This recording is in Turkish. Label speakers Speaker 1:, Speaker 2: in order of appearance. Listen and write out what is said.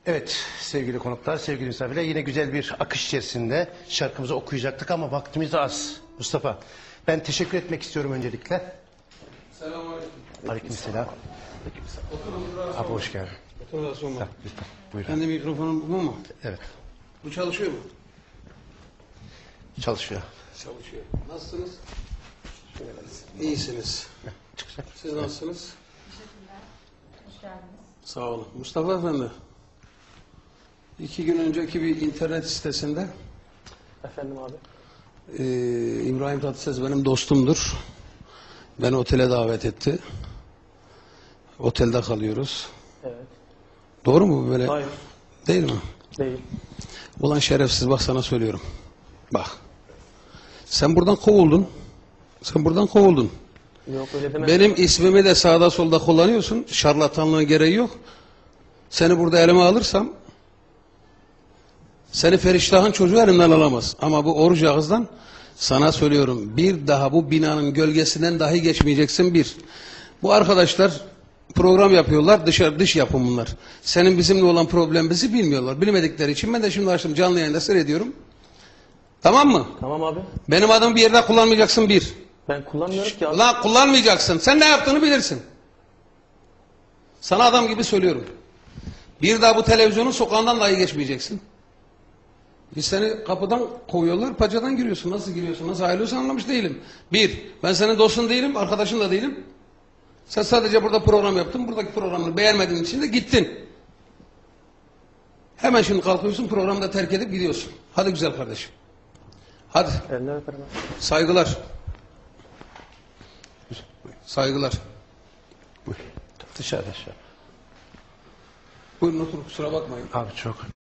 Speaker 1: Evet sevgili konuklar, sevgili misafirler, yine güzel bir akış içerisinde şarkımızı okuyacaktık ama vaktimiz de az. Mustafa, ben teşekkür etmek istiyorum öncelikle.
Speaker 2: Selamünaleyküm.
Speaker 1: Aleykümselam. Abi hoş geldin.
Speaker 2: Otur da sorma.
Speaker 1: Lütfen, buyurun.
Speaker 2: Kendi mikrofonum bu mu?
Speaker 1: Evet,
Speaker 2: Bu çalışıyor mu?
Speaker 1: çalışıyor.
Speaker 2: Çalışıyor. Nasılsınız? İyisiniz.
Speaker 1: Çıkacak.
Speaker 2: Siz nasılsınız?
Speaker 3: Hoş geldiniz.
Speaker 2: Sağ olun. Mustafa Efendi. 2 gün önceki bir internet sitesinde
Speaker 4: Efendim abi.
Speaker 2: İbrahim Tatlıses benim dostumdur. Beni otele davet etti. Otelde kalıyoruz.
Speaker 4: Evet.
Speaker 2: Doğru mu bu böyle?
Speaker 4: Hayır.
Speaker 2: Değil mi?
Speaker 4: Değil.
Speaker 2: Ulan şerefsiz, bak sana söylüyorum. Bak. Sen buradan kovuldun. Sen buradan kovuldun.
Speaker 4: Yok öyle deme.
Speaker 2: Benim ismimi de sağda solda kullanıyorsun. Şarlatanlığın gereği yok. Seni burada elime alırsam seni Feriştah'ın çocuğu elimden alamaz. Ama bu oruç ağızdan sana söylüyorum. Bir daha bu binanın gölgesinden dahi geçmeyeceksin bir. Bu arkadaşlar program yapıyorlar. Dış yapım bunlar. Senin bizimle olan problemimizi bilmiyorlar. Bilmedikleri için ben de şimdi açtım canlı yayında seyrediyorum. Tamam mı?
Speaker 4: Tamam abi.
Speaker 2: Benim adımı bir yerde kullanmayacaksın bir.
Speaker 4: Ben kullanmıyorum ki abi.
Speaker 2: Ulan kullanmayacaksın. Sen ne yaptığını bilirsin. Sana adam gibi söylüyorum. Bir daha bu televizyonun sokağından dahi geçmeyeceksin. Biz seni kapıdan kovuyorlar, paçadan giriyorsun. Nasıl giriyorsun, nasıl ayrılıyorsun anlamış değilim. Bir, ben senin dostun değilim, arkadaşın da değilim. Sen sadece burada program yaptın, buradaki programını beğenmediğin için de gittin. Hemen şimdi kalkıyorsun, programı da terk edip gidiyorsun. Hadi güzel kardeşim. Hadi,
Speaker 4: Elinden öperim abi.
Speaker 2: saygılar. Saygılar.
Speaker 1: Dışarıda.
Speaker 2: Buyurun oturun, kusura bakmayın.
Speaker 1: Abi çok.